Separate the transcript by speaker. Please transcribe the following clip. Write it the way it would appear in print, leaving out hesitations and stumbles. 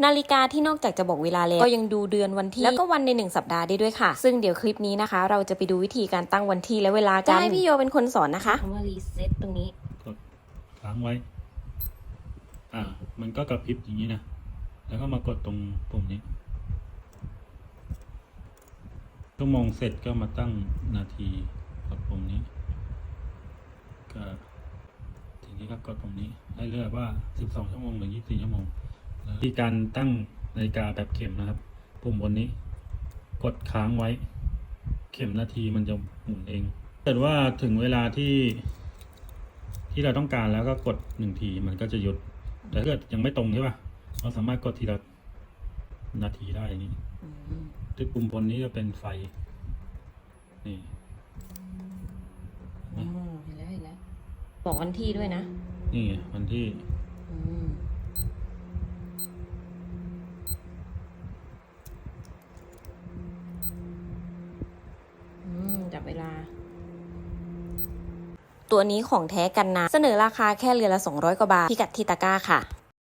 Speaker 1: นาฬิกาที่นอกจากจะบอกเวลาแล้วก็ยังดูเดือนวันที่แล้วก็วันใน1 สัปดาห์ได้ด้วยค่ะซึ่งเดี๋ยวคลิปนี้นะคะเราจะไปดูวิธีการตั้งวันที่และเวลากันจะให้พี่โยเป็นคนสอนนะคะคำว่ารีเซ็ตตรงนี้
Speaker 2: กดค้างไว้มันก็กระพริบอย่างนี้นะแล้วก็มากดตรงปุ่มนี้ชั่วโมงเสร็จก็มาตั้งนาทีกดปุ่มนี้ก็ทีนี้ก็กดปุ่มนี้ให้เลือกว่า12 ชั่วโมงหรือ24 ชั่วโมงที่การตั้งนาฬิกาแบบเข็มนะครับปุ่มบนนี้กดค้างไว้เข็มนาทีมันจะหมุนเองถ้าเกิดว่าถึงเวลาที่เราต้องการแล้วก็กด1 ทีมันก็จะหยุดแต่ถ้าเกิดยังไม่ตรงใช่ป่ะเราสามารถกดทีละนาทีได้อย่างนี้ที่ปุ่มบนนี้จะเป็นไฟนี่
Speaker 1: เห็นแล้วบอกวันที่ด้วยนะ
Speaker 2: นี่วันที่
Speaker 1: จับเวลาตัวนี้ของแท้กันนะเสนอราคาแค่เรือนละ200 กว่าบาทพิกัดที่ตะกร้าค่ะ